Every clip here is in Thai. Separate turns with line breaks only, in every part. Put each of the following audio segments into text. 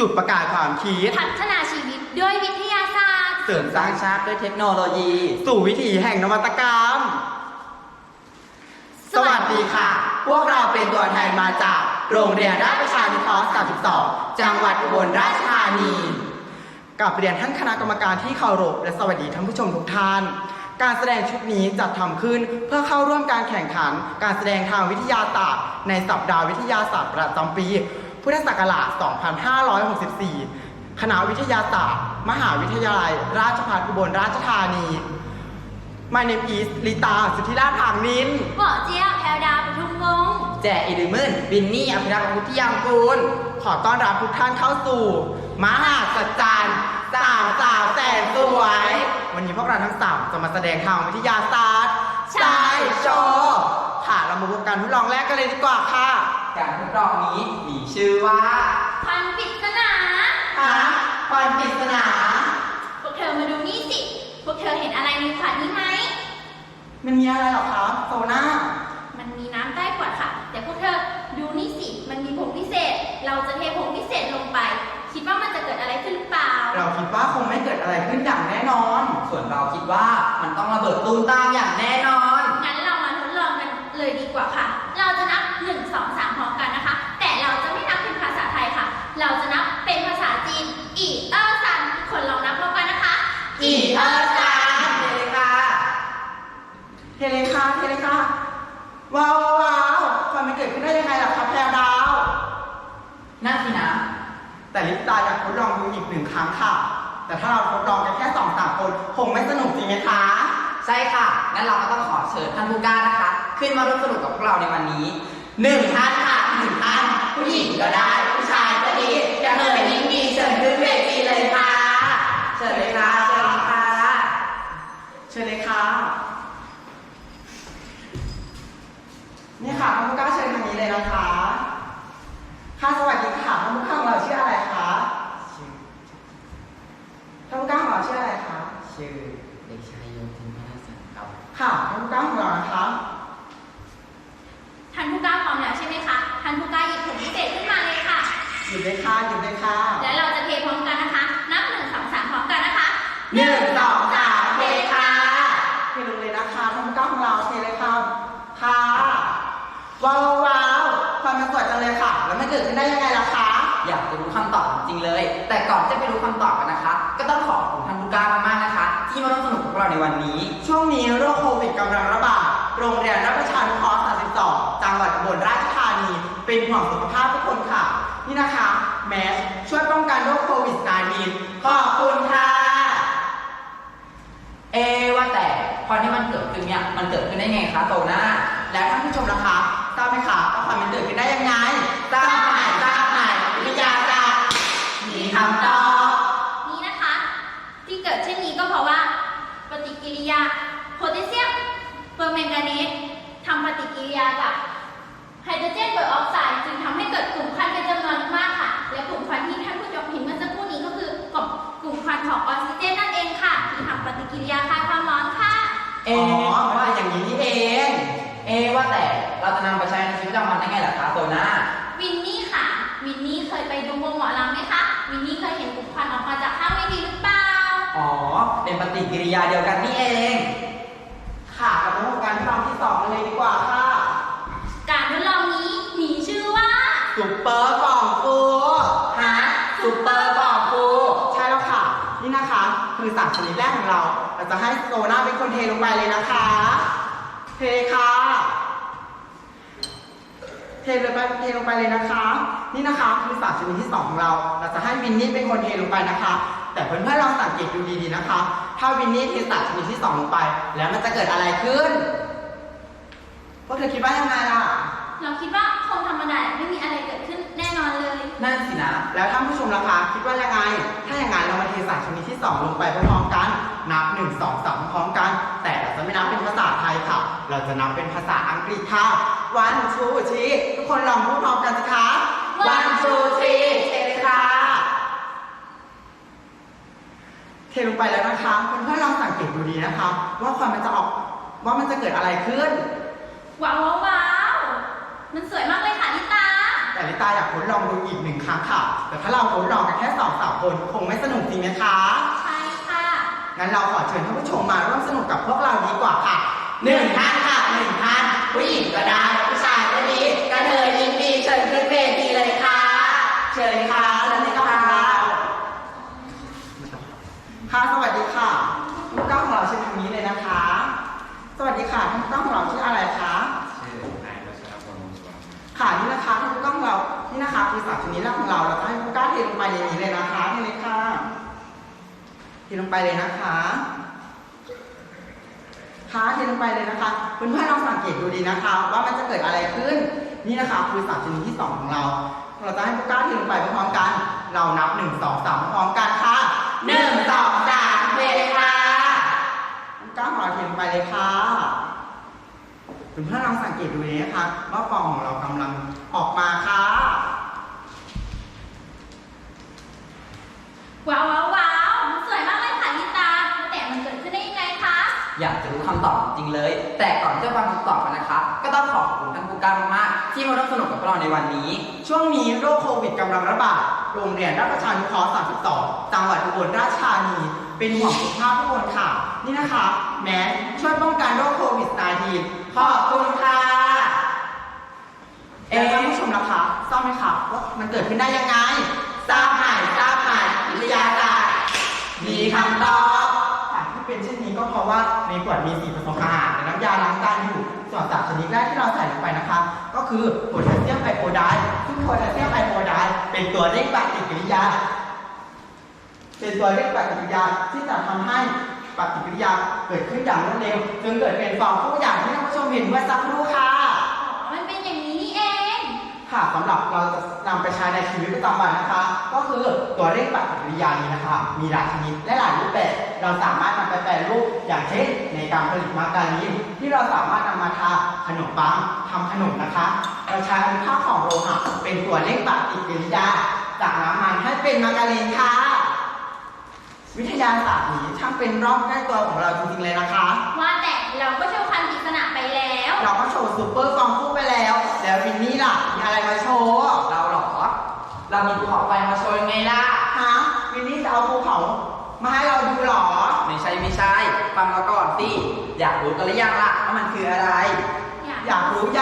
จุดประกายความคิด
พัฒนาชีวิตด้วยวิทยาศาสตร์
เสริมสร้างชาติด้วยเทคโนโลยี
สู่วิถีแห่งนวัตกรรมสวัสดีค่ะพวกเราเป็นตัวแทนมาจากโรงเรียนราชประชานุเคราะห์32จังหวัดอุบลราชธานีกับเรียนท่านคณะกรรมการที่เคารพและสวัสดีท่านผู้ชมทุกท่านการแสดงชุดนี้จัดทำขึ้นเพื่อเข้าร่วมการแข่งขันการแสดงทางวิทยาศาสตร์ในสัปดาห์วิทยาศาสตร์ประจำปีพุทธศักราช 2564 คณะวิทยาศาสตร์มหาวิทยาลัยราชภัฏอุบลราชธานี My name is ลิตาสุทธิราช ผางนิน
หมอเจี๊ยบแพรวดาวปทุมวงศ์
แจอิริมึนบินนี่อภิรักษ์วุฒิยางกูล
ขอต้อนรับทุกท่านเข้าสู่มหาสัจจรรย์สาวแสนสวยวันนี้พวกเราทั้งสามจะมาแสดงทางวิทยาศาสตร์ใช่โชว์ค่ะเรามาพบกันทดลองแรกกันเลยดีกว่าค่ะ
การทดลองนี้มีชื่อว่า
ควันปริศนา
ควันปริศนา
พวกเธอมาดูนี่สิพวกเธอเห็นอะไรในขวดนี้ไหม
มันมีอะไรหรอคะโซน่า
มันมีน้ำใต้ขวดค่ะแต่พวกเธอดูนี่สิมันมีผงพิเศษเราจะเทผงพิเศษลงไปคิดว่ามันจะเกิดอะไรขึ้นหรือเปล่า
เราคิดว่าคงไม่เกิดอะไรขึ้นอย่างแน่นอน
ส่วนเราคิดว่ามันต้องระเบิดตูมตามอย่างแน่นอน
งั้นเรามาทดลองกันเลยดีกว่าค่ะเราจะนับ1 2 3พร้อมกันนะคะแต่เราจะไม่นับเป็นภาษาไทยค่ะเราจะนับเป็นภาษาจีนอีเออซันคนลองนับพร้อมกันนะคะ
อีเออซันเทเลค่ะว้าวความมันเกิดขึ้นได้ยังไงล่ะครับแพรวดาว
น่าสินะ
แต่ลิปตาอยากทดลองดูอีก1 ครั้งค่ะแต่ถ้าเราทดลองกันแค่2-3 คนคงไม่สนุกจริงไหมคะ
ใช่ค่ะงั้นเราก็ต้องขอเชิญท่านผู้กล้านะคะขึ้นมาร่วมสนุกกับพวกเราในวันนี้1 ท่านค่ะ1 ท่านผู้หญิงก็ได้ผู้ชายก็ดีอยากเป็นยิ่งดีเชิญขึ้นเวทีเลยค่ะเชิญเลยค่ะ
นี่ค่ะท่านผู้กล้าเชิญทางนี้เลยนะคะค่ะสวัสดีค่ะท่านผู้กล้าของเราชื่ออะไรคะท่านผู้กล้าของเราชื่ออะไรคะ
ชื่อเด็กชายโยธินพนาสันครับ
ค่ะท่านผู้กล้าของเรานะคะ
ท่านผู้กล้าพร้อมแล้วใช่ไหมคะท่านผู้กล้าหยิบผงพิเศษขึ้นมาเลยค่ะ
หยิบเลยค่ะ
แล้วเราจะเทพร้อมกันนะคะนับ1 2 3พร้อมกันนะคะ
1 2 3เทค่ะเทลงเลยนะคะท่านผู้กล้าของเราเทเลยค่ะว้าวความมันสวยจังเลยค่ะแล้วมันเกิดขึ้นได้ยังไงล่ะคะ
อยากจะรู้คำตอบจริงเลยแต่ก่อนจะไปรู้คำตอบกันนะคะก็ต้องขอบคุณท่านผู้กล้ามากๆนะคะที่มาร่วมสนุกกับเราในวันนี้
ช่วงนี้โรคโควิดกำลังระบาดโรงเรียนราชประชานุเคราะห์32จังหวัดอุบลราชธานีเป็นห่วงสุขภาพทุกคนค่ะนี่นะคะแมสช่วยป้องกันโรคโควิด-19ขอบคุณค่ะ
ว่าแต่พอที่มันเกิดขึ้นเนี่ยมันเกิดขึ้นได้ไงคะโตน่า
แล้วท่านผู้ชมล่ะคะทราบไหมคะว่าความมันเกิดขึ้นได้ยังไงทราบไหมวิทยาศาสตร์มีคำตอบ
นี่นะคะที่เกิดเช่นนี้ก็เพราะว่าปฏิกิริยาโพแทสเซียมเปอร์แมงกานีสทำปฏิกิริยากับไฮโดรเจนเปอร์ออกไซด์จึงทำให้เกิดกลุ่มควันเป็นจำนวนมากค่ะและกลุ่มควันที่ท่านผู้ชมเห็นเมื่อสักครู่นี้ก็คือกลุ่มควันของออกซิเจนนั่นเองค่ะที่ทำปฏิกิริยาคลายความร้อนค่ะ
ว่าอย่างนี้นี่เอง
ว่าแต่เราจะนำไปใช้ในชีวิตประจำวันได้ไงล่ะคะโซน่า
วินนี่ค่ะวินนี่เคยไปดูวงหมอลำไหมคะวินนี่เคยเห็นกลุ่มควันออกมาจากข้างเวทีหรือเปล่า
เป็นปฏิกิริยาเดียวกันนี่เอง
ค่ะมาดูการทดลองที่2กันเลยดีกว่าค่ะ
การทดลองนี้มีชื่อว่า
ซุปเปอร์กล่องฟู
ซุปเปอร์กล่องฟู
ใช่แล้วค่ะนี่นะคะคือสารชนิดแรกของเราจะให้โซน่าเป็นคนเทลงไปเลยนะคะเทค่ะเทลงไปเลยนะคะนี่นะคะคือสารชนิดที่2ของเราจะให้วินนี่เป็นคนเทลงไปนะคะแต่เพื่อนๆลองสังเกตดูดีๆนะคะถ้าวินนี่เทสารชนิดที่2ลงไปแล้วมันจะเกิดอะไรขึ้นพวกเธอคิดว่ายังไงล่ะ
เราคิดว่าคงธรรมดาไม่มีอะไรเกิดขึ้นแน่นอนเลย
นั่นสินะแล้วท่านผู้ชมล่ะคะคิดว่ายังไงถ้าอย่างนั้นเรามาเทสารชนิดที่2ลงไปพร้อมๆกันนับ1 2 3พร้อมกันแต่เราจะไม่นับเป็นภาษาไทยค่ะเราจะนับเป็นภาษาอังกฤษค่ะ 1 2 3ทุกคนลองพูดพร้อมกันสิคะ1 2 3เทเลยค่ะเทลงไปแล้วนะคะเพื่อนๆลองสังเกตดูดีนะคะว่าความมันจะออกว่ามันจะเกิดอะไรขึ้น
ว้าวมันสวยมากเลยค่ะลิตา
แต่ลิตาอยากทดลองดูอีก1 ครั้งค่ะแต่ถ้าเราทดลองกันแค่2-3 คนคงไม่สนุกจริงไหมคะ
ใช่ค่ะ
งั้นเราขอเชิญท่านผู้ชมมาร่วมสนุกกับพวกเราดีกว่าค่ะ1 ท่านค่ะ1 ท่านผู้หญิงก็ได้ผู้ชายก็ดีกระเทยยินดีเชิญขึ้นเวทีเลยค่ะเชิญค่ะเชิญเลยค่ะค่ะสวัสดีค่ะผู้กล้าของเราเชิญทางนี้เลยนะคะ สวัสดีค่ะท่านผู้กล้าของเราชื่ออะไรคะ
ชื่อนายรัชรพลวงศ์สุวรรณ
ค่ะนี่นะคะท่านผู้กล้าของเรานี่นะคะคือสัตว์ชนิดแรกของเราเราจะให้ผู้กล้าเทลงไปในนี้เลยนะคะนี่เลยค่ะเทลงไปเลยนะคะค่ะเทลงไปเลยนะคะเพื่อนๆลองสังเกตดูดีนะคะ ว่ามันจะเกิดอะไรขึ้นนี่นะคะคือสัตว์ชนิดที่2ของเราเราจะให้ผู้กล้าเทลงไปพร้อมกันเรานับ1 2 3พร้อมกันค่ะ1 2 3เลยค่ะผู้กล้าของเราเทลงไปเลยค่ะเพื่อนๆลองสังเกตดูดีนะคะว่าฟองของเรากำลังออกมาค่ะ
ว้าวว้าวว้าวมันสวยมากเลยค่ะลิตาแต่มันเกิดขึ้นได้ยังไงคะ
อยากจะรู้คำตอบจริงเลย แต่ก่อนที่จะฟังคำตอบกันนะคะ ก็ต้องขอบคุณท่านผู้กล้ามากๆที่มาร่วมสนุกกับพวกเราในวันนี้
ช่วงนี้โรคโควิดกำลังระบาด โรงเรียนราชประชานุเคราะห์32 จังหวัดอุบลราชธานี เป็นห่วงสุขภาพทุกคนค่ะ นี่นะคะ แมสช่วยป้องกันโรคโควิด -19 ขอบคุณค่ะท่านผู้ชมนะคะทราบไหมคะว่ามันเกิดขึ้นได้ยังไง ทราบไหมวิทยาศาสตร์มีคำตอบที่เป็นเช่นนี้ก็เพราะว่าในขวดมี4 ผสมอาหารและน้ำยาล้างจานอยู่ ส่วนสารชนิดแรกที่เราใส่ลงไปนะคะ ก็คือโพแทสเซียมไอโอไดด์ซึ่งโพแทสเซียมไอโอไดด์เป็นตัวเร่งปฏิกิริยา ที่จะทำให้ปฏิกิริยาเกิดขึ้นอย่างรวดเร็วจนเกิดเป็นฟองฟูอย่างที่ท่านผู้ชมเห็นเมื่อสักครู่ค่ะ
อ๋อ มันเป็นอย่างนี้นี่เอง
ค่ะสำหรับเราจะนำไปใช้ในชีวิตประจำวันนะคะ ก็คือตัวเร่งปฏิกิริยานี้นะคะ มีหลายชนิดและหลายรูปแบบเราสามารถนำไปแปรรูปอย่างเช่น ในการผลิตมาการีนที่เราสามารถนำมาทาขนมปังทำขนมนะคะ เราใช้อนุภาคของโลหะเป็นตัวเร่งปฏิกิริยาจากน้ำมันให้เป็นมาการีนค่ะวิทยาศาสตร์นี้ช่างเป็นรอบใกล้ตัวของเราจริงๆเลยนะคะ
ว่าแต่เราก็โชว์คันปริศนาไปแล้ว
เราก็โชว์ซูเปอร์ฟองฟูไปแล้ว แล้ววินนี่ล่ะมีอะไรมาโชว์
เราเหรอ เรามีภูเขาไฟมาโชว์ยังไงล่ะ
ฮะวินนี่จะเอาภูเขามาให้เราดูเหรอ
ไม่ใช่ฟังเราก่อนสิอยากรู้กันหรือยังล่ะว่ามันคืออะไร
อยากรู้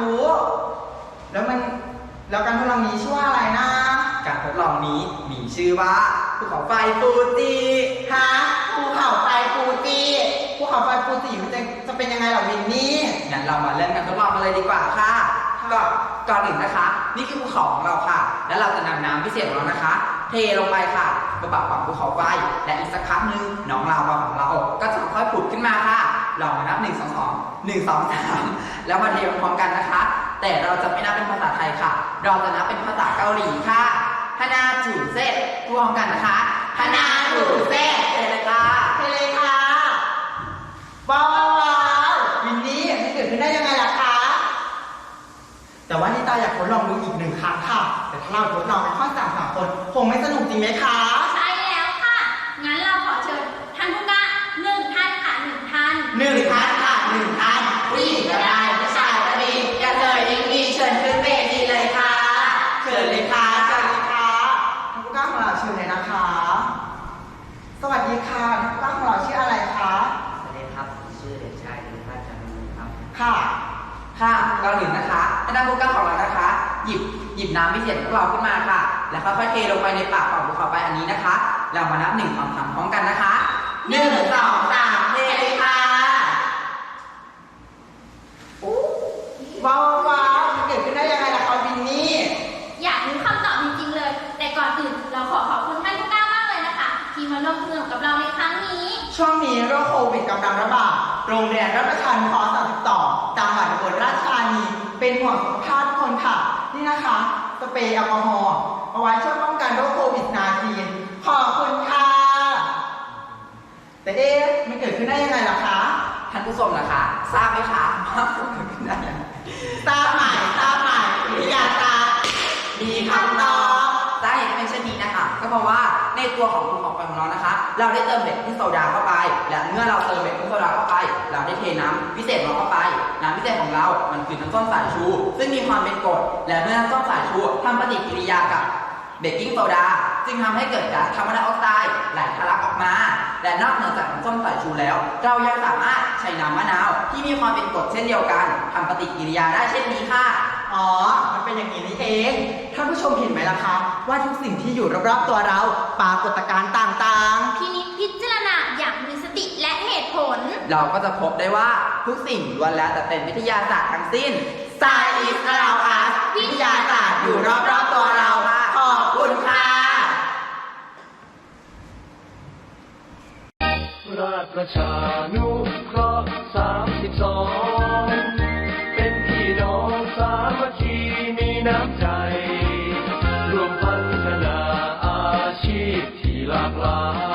แล้วการทดลองนี้ชื่อว่าอะไรนะ
การทดลองนี้มีชื่อว่าภูเขาไฟฟูจิ
ฮะภูเขาไฟฟูจิมันจะเป็นยังไงเหรอวินนี่
งั้นเรามาเริ่มการทดลองกันเลยดีกว่าค่ะก่อนอื่นนะคะ นี่คือภูเขาของเราค่ะ แล้วเราจะนำน้ำพิเศษของเรานะคะ เทลงไปค่ะกระบะฝั่งภูเขาไฟและอีกสักพักหนึ่งน้องลาวาของเราก็จะค่อยๆผุดขึ้นมาค่ะลองมานับ1 2 2 1 2 3แล้วมาเทพร้อมๆกันนะคะ แต่เราจะไม่นับเป็นภาษาไทยค่ะ เราจะนับเป็นภาษาเกาหลีค่ะฮานาจูเซ่พร้อมกันนะคะฮานาจูเซ่เลยค่ะ
เทเลยค่ะว้าววินนี่มันเกิดขึ้นได้ยังไงล่ะคะ แต่ว่านิตาอยากทดลองดูอีก1 ครั้งค่ะ แต่ถ้าเราทดลองเป็นข้อ3 คนคงไม่สนุกจริงไหมคะ
ใช่แล้วค่ะ งั้นเราขอเชิญท่านผู้กล้า1 ท่านค่ะ1 ท่าน
1 ท่านค่ะ1 ท่านผู้หญิงก็ได้ผู้ชายก็ดีกระเทยยิ่งดีเชิญขึ้นเวทีเลยค่ะ เชิญเลยค่ะท่านผู้กล้าของเราเชิญเลยนะคะ สวัสดีค่ะท่านผู้กล้าของเราชื่ออะไรคะ
สวัสดีครับชื่อเด็กชายธีรพัฒน์จันทร์มูลครับ
ค่ะ
ก่อนอื่นนะคะให้ท่านผู้กล้าของเรานะคะ หยิบน้ำพิเศษของเราขึ้นมาค่ะ แล้วค่อยๆเทลงไปในปากของภูเขาไฟอันนี้นะคะเรามานับ1 2 3พร้อมกันนะคะ1 2 3เทเลยค่ะ
ว้าวมันเกิดขึ้นได้ยังไงล่ะคะวินนี่
อยากรู้คำตอบจริงๆเลย แต่ก่อนอื่นเราขอบคุณท่านผู้กล้ามากเลยนะคะ ที่มาร่วมสนุกกับเราในครั้งนี้
ช่วงนี้โรคโควิดกำลังระบาด โรงเรียนราชประชานุเคราะห์32 จังหวัดอุบลราชธานี เป็นห่วงสุขภาพทุกคนค่ะ นี่นะคะ สเปรย์แอลกอฮอล์เอาไว้ช่วยป้องกันโรคโควิด -19 ขอบคุณค่ะ แต่มันเกิดขึ้นได้ยังไงล่ะคะ
ท่านผู้ชมนะคะทราบไหมคะว่าเกิดขึ้นได้ยังไง
ทราบใหม่วิทยาศาสตร์มีคำตอบ
สาเหตุที่เป็นเช่นนี้นะคะ ก็เพราะว่าในตัวของภูเขาไฟของเรานะคะ เราได้เติมเบกกิ้งโซดาเข้าไป และเมื่อเราเติมเบกกิ้งโซดาเข้าไป เราได้เทน้ำพิเศษของเราเข้าไป น้ำพิเศษของเรา มันคือน้ำส้มสายชู ซึ่งมีความเป็นกรด และเมื่อน้ำส้มสายชูทำปฏิกิริยากับเบกกิ้งโซดาจึงทำให้เกิดก๊าซคาร์บอนไดออกไซด์ไหลทะลักออกมา และนอกเหนือจากน้ำส้มสายชูแล้ว เรายังสามารถใช้น้ำมะนาวที่มีความเป็นกรดเช่นเดียวกันทำปฏิกิริยาได้เช่นนี้ค่ะ
อ๋อ มันเป็นอย่างนี้นี่เอง ท่านผู้ชมเห็นไหมล่ะคะ ว่าทุกสิ่งที่อยู่รอบๆตัวเราปรากฏการณ์ต่างๆ
พินิจพิจารณาอย่างมีสติและเหตุผล
เราก็จะพบได้ว่าทุกสิ่งล้วนแล้วแต่เป็นวิทยาศาสตร์ทั้งสิ้น
Science is around us วิทยาศาสตร์อยู่รอบๆตัวเรา ขอบคุณค่ะ
ราชประชานุเคราะห์32 เป็นพี่น้องสามัคคีมีน้ำใจรวมพัฒนาอาชีพที่หลากหลาย